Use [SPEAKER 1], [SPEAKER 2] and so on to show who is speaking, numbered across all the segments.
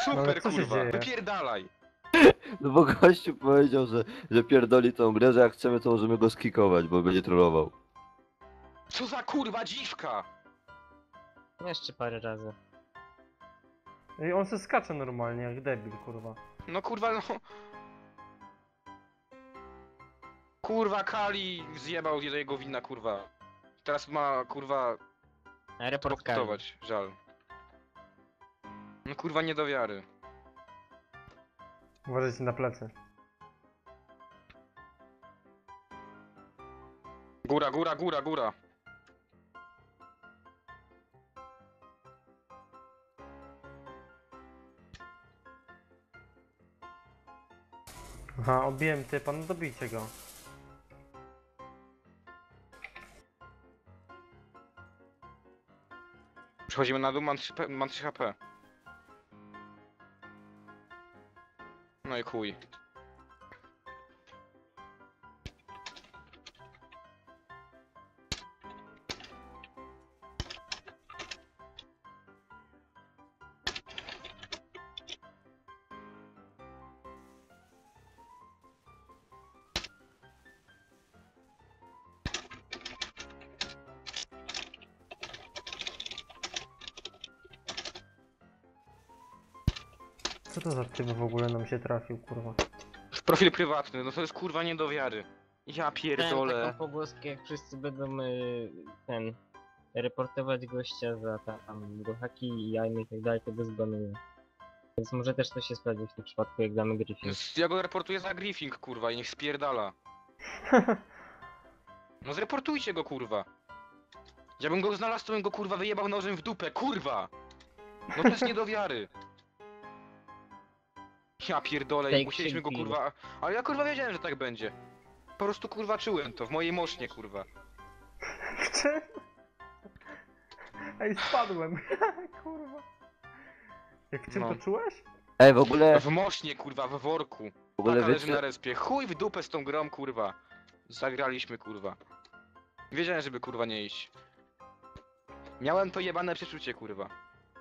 [SPEAKER 1] Super,
[SPEAKER 2] co się
[SPEAKER 1] kurwa,
[SPEAKER 2] dzieje?
[SPEAKER 1] wypierdalaj.
[SPEAKER 3] No bo gościu powiedział, że pierdoli tą grę, że jak chcemy to możemy go skikować, bo będzie trollował.
[SPEAKER 1] Co za kurwa dziwka.
[SPEAKER 4] Jeszcze parę razy.
[SPEAKER 2] I on se skacze normalnie, jak debil, kurwa.
[SPEAKER 1] No kurwa, no. Kurwa, Kali zjebał jego wina, kurwa. Teraz ma, kurwa,
[SPEAKER 4] Report Kali.
[SPEAKER 1] pokutować, żal. No kurwa, nie do wiary.
[SPEAKER 2] Uważajcie na plecy.
[SPEAKER 1] Góra, góra, góra, góra.
[SPEAKER 2] Aha, obiłem typa, no dobijcie go.
[SPEAKER 1] Przechodzimy na dół, mam 3 HP. No i chuj.
[SPEAKER 2] Co to za typ w ogóle nam się trafił, kurwa?
[SPEAKER 1] Profil prywatny, no to jest kurwa nie do wiary. Ja
[SPEAKER 4] Miałem
[SPEAKER 1] pierdolę.
[SPEAKER 4] taką pogłoskę, jak wszyscy będą reportować gościa za tam haki i jajmy i tak dalej, to go zbanuję. Więc może też to się sprawdzi w tym przypadku, jak damy Griffin.
[SPEAKER 1] Ja go reportuję za griefing, kurwa, i niech spierdala. No zreportujcie go, kurwa. Ja bym go znalazł, to bym go, kurwa, wyjebał nożem w dupę, kurwa! No to jest nie do wiary. Ja pierdolę,
[SPEAKER 4] Take
[SPEAKER 1] i musieliśmy go,
[SPEAKER 4] kill.
[SPEAKER 1] kurwa... Ale ja, kurwa, wiedziałem, że tak będzie. Po prostu, kurwa, czułem to, w mojej mosznie, kurwa.
[SPEAKER 2] Czy? Ej, spadłem. Kurwa. Jak w czym
[SPEAKER 1] No.
[SPEAKER 2] to czułeś?
[SPEAKER 3] Ej, w ogóle
[SPEAKER 1] W mosznie, kurwa, w worku.
[SPEAKER 3] w ogóle
[SPEAKER 1] Taka leży na
[SPEAKER 3] wiecie,
[SPEAKER 1] respie. Chuj w dupę z tą grą, kurwa. Zagraliśmy, kurwa. Wiedziałem, żeby, kurwa, nie iść. Miałem to jebane przeczucie, kurwa.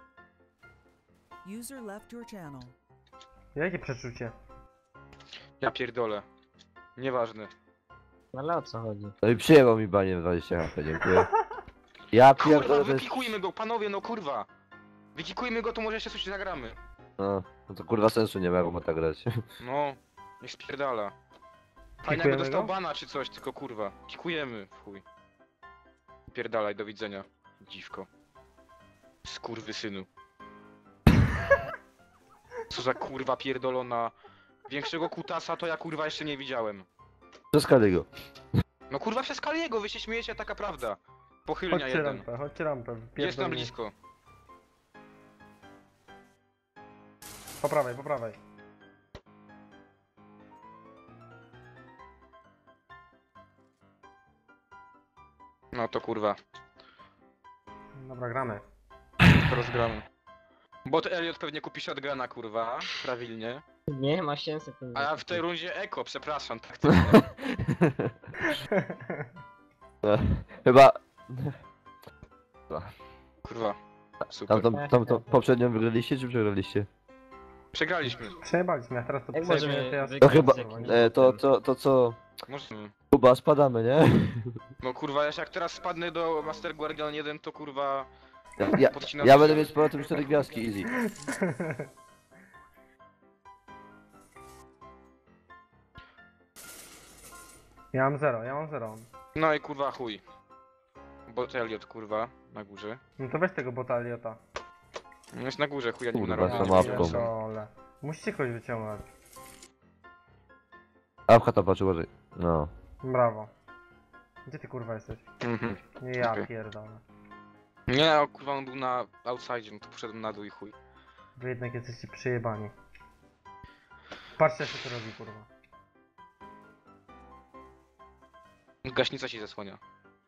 [SPEAKER 5] User left your channel.
[SPEAKER 2] Jakie przeczucie?
[SPEAKER 1] Ja pierdolę. Nieważne.
[SPEAKER 4] No ale o co chodzi?
[SPEAKER 3] no i przyjęło mi banie 20 HP, dziękuję. Ja
[SPEAKER 1] Kurwa,
[SPEAKER 3] pierdolę, to jest...
[SPEAKER 1] wykikujmy go, panowie, no kurwa. Wykikujmy go, to może jeszcze coś zagramy.
[SPEAKER 3] No to kurwa sensu nie ma, bo ma tak grać.
[SPEAKER 1] No, niech spierdala. Fajnie jakby
[SPEAKER 2] Kikujemy
[SPEAKER 1] dostał
[SPEAKER 2] go?
[SPEAKER 1] bana czy coś, tylko kurwa. Kikujemy, w chuj. Pierdalaj, do widzenia, dziwko. Skurwysynu. Co za kurwa pierdolona. Większego kutasa to ja kurwa jeszcze nie widziałem.
[SPEAKER 3] Przeskali go.
[SPEAKER 1] No kurwa przez Kaliego, wy się śmiejecie, taka prawda. Pochylnia
[SPEAKER 2] Chodźcie
[SPEAKER 1] jeden.
[SPEAKER 2] rampę, chodźcie rampę.
[SPEAKER 1] Jest tam
[SPEAKER 2] pierdolnie.
[SPEAKER 1] blisko.
[SPEAKER 2] Po prawej, po prawej.
[SPEAKER 1] No to kurwa,
[SPEAKER 2] Dobra, gramy.
[SPEAKER 1] to rozgramy. Bot Elliot pewnie kupi shotguna, kurwa, prawilnie.
[SPEAKER 4] Nie ma sensu.
[SPEAKER 1] A ja w tej rundzie eko, przepraszam, tak.
[SPEAKER 3] No, chyba...
[SPEAKER 1] Kurwa, super.
[SPEAKER 3] Tamtą poprzednią wygraliście czy przegraliście?
[SPEAKER 1] Przegraliśmy.
[SPEAKER 2] Przejebaliśmy, a teraz to
[SPEAKER 4] Jak
[SPEAKER 2] przejmiemy,
[SPEAKER 4] możemy
[SPEAKER 2] to ja...
[SPEAKER 4] wygrać
[SPEAKER 3] To chyba...
[SPEAKER 4] z jakimś
[SPEAKER 3] To co...
[SPEAKER 1] Możemy.
[SPEAKER 3] Kuba, spadamy, nie?
[SPEAKER 1] No kurwa, jak teraz spadnę do Master Guardian 1, to kurwa...
[SPEAKER 3] Ja
[SPEAKER 1] podcinam
[SPEAKER 3] będę
[SPEAKER 1] się.
[SPEAKER 3] mieć z powrotem 4 gwiazdki, easy.
[SPEAKER 2] Ja mam 0, ja mam 0.
[SPEAKER 1] No i kurwa chuj. Bot Elliot, kurwa, na górze.
[SPEAKER 2] No to weź tego botaliota.
[SPEAKER 1] No jest na górze, chuja nim
[SPEAKER 3] Kurwa,
[SPEAKER 1] narobię.
[SPEAKER 3] za mapką.
[SPEAKER 2] Pierdolę. Musicie kogoś wyciągnąć.
[SPEAKER 3] A w chata patrz, uważaj. No.
[SPEAKER 2] Brawo. Gdzie ty kurwa jesteś?
[SPEAKER 1] Mhm.
[SPEAKER 2] Nie ja
[SPEAKER 1] Okej.
[SPEAKER 2] pierdolę.
[SPEAKER 1] Nie, o, kurwa on był na outside, no to poszedłem na dół i chuj.
[SPEAKER 2] Wy jednak jesteście przyjebani. Patrzcie jak się to robi kurwa.
[SPEAKER 1] Gaśnica się zasłania.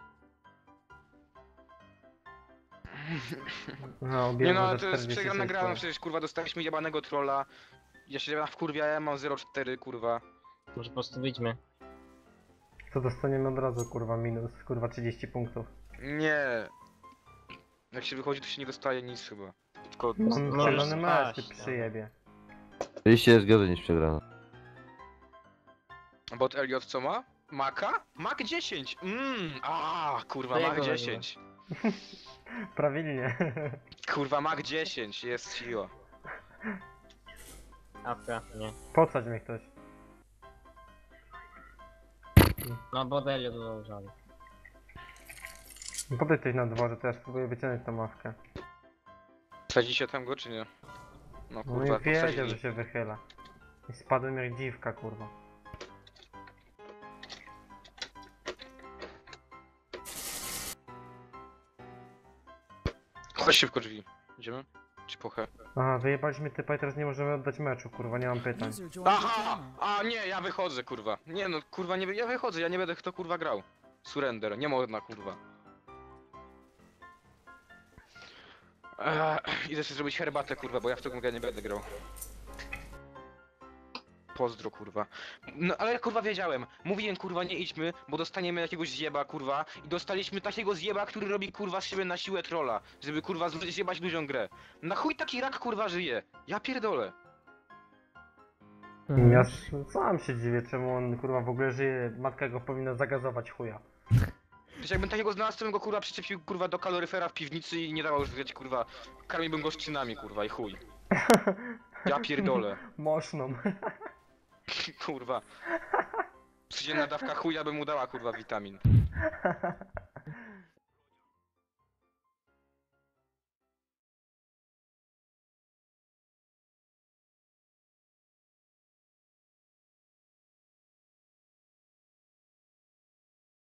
[SPEAKER 2] No,
[SPEAKER 1] Nie no,
[SPEAKER 2] za
[SPEAKER 1] ale to jest
[SPEAKER 2] 46
[SPEAKER 1] przegrana gra, no
[SPEAKER 2] punktów.
[SPEAKER 1] przecież kurwa dostaliśmy jebanego trolla. Ja się wkurwiałem, mam 0,4 kurwa.
[SPEAKER 4] Może po prostu wyjdźmy.
[SPEAKER 2] To dostaniemy od razu kurwa minus, kurwa 30 punktów.
[SPEAKER 1] Nie. Jak się wychodzi, to się nie dostaje nic chyba. szybko.
[SPEAKER 2] On
[SPEAKER 4] Możesz
[SPEAKER 2] przegrany mecz, ty
[SPEAKER 4] spaść, no.
[SPEAKER 2] przyjebie.
[SPEAKER 3] Oczywiście jest gorzej niż przegrana.
[SPEAKER 1] Bot Elliot co ma? Maka? Mak 10! Kurwa,
[SPEAKER 4] To
[SPEAKER 1] Mak
[SPEAKER 4] jego
[SPEAKER 1] 10.
[SPEAKER 2] Prawilnie.
[SPEAKER 1] Kurwa, Mak 10, jest siła.
[SPEAKER 4] Awka, nie.
[SPEAKER 2] Podsadź mnie ktoś.
[SPEAKER 4] No bo Delio dodał żal.
[SPEAKER 2] Podejdź ktoś na dworze, to ja spróbuję wyciągnąć tą mawkę.
[SPEAKER 1] Wsadzicie tam go, czy nie? No
[SPEAKER 2] No
[SPEAKER 1] kurwa,
[SPEAKER 2] i wiedział,
[SPEAKER 1] posadzili.
[SPEAKER 2] że się wychyla. I spadłem jak dziwka, kurwa.
[SPEAKER 1] Chodź szybko drzwi. Idziemy? Czy pochę?
[SPEAKER 2] Aha, wyjebaliśmy typa i teraz nie możemy oddać meczu, kurwa, nie mam pytań.
[SPEAKER 5] User joined your
[SPEAKER 1] Aha!
[SPEAKER 5] channel.
[SPEAKER 1] A nie, ja wychodzę, kurwa. Nie no, kurwa, nie, ja wychodzę, ja nie będę kto kurwa grał. Surrender, nie można, kurwa. Idę sobie zrobić herbatę, kurwa, bo ja w tą grę nie będę grał. Pozdro, kurwa. No ale kurwa wiedziałem. Mówiłem, kurwa, nie idźmy, bo dostaniemy jakiegoś zjeba, kurwa. I dostaliśmy takiego zjeba, który robi, kurwa, z siebie na siłę trolla. Żeby, kurwa, zjebać ludziom grę. Na chuj taki rak, kurwa, żyje. Ja pierdolę.
[SPEAKER 2] Ja sam się dziwię, czemu on, kurwa, w ogóle żyje. Matka go powinna zagazować chuja.
[SPEAKER 1] Przecież jakbym takiego znalazł, to bym go, kurwa, przyczepił, kurwa, do kaloryfera w piwnicy i nie dawał już wygrać, kurwa. Karmiłbym go szczynami, kurwa, i chuj. Ja pierdolę.
[SPEAKER 2] Moszną.
[SPEAKER 1] Kurwa. Codzienna dawka chuja by mu dała, kurwa, witamin.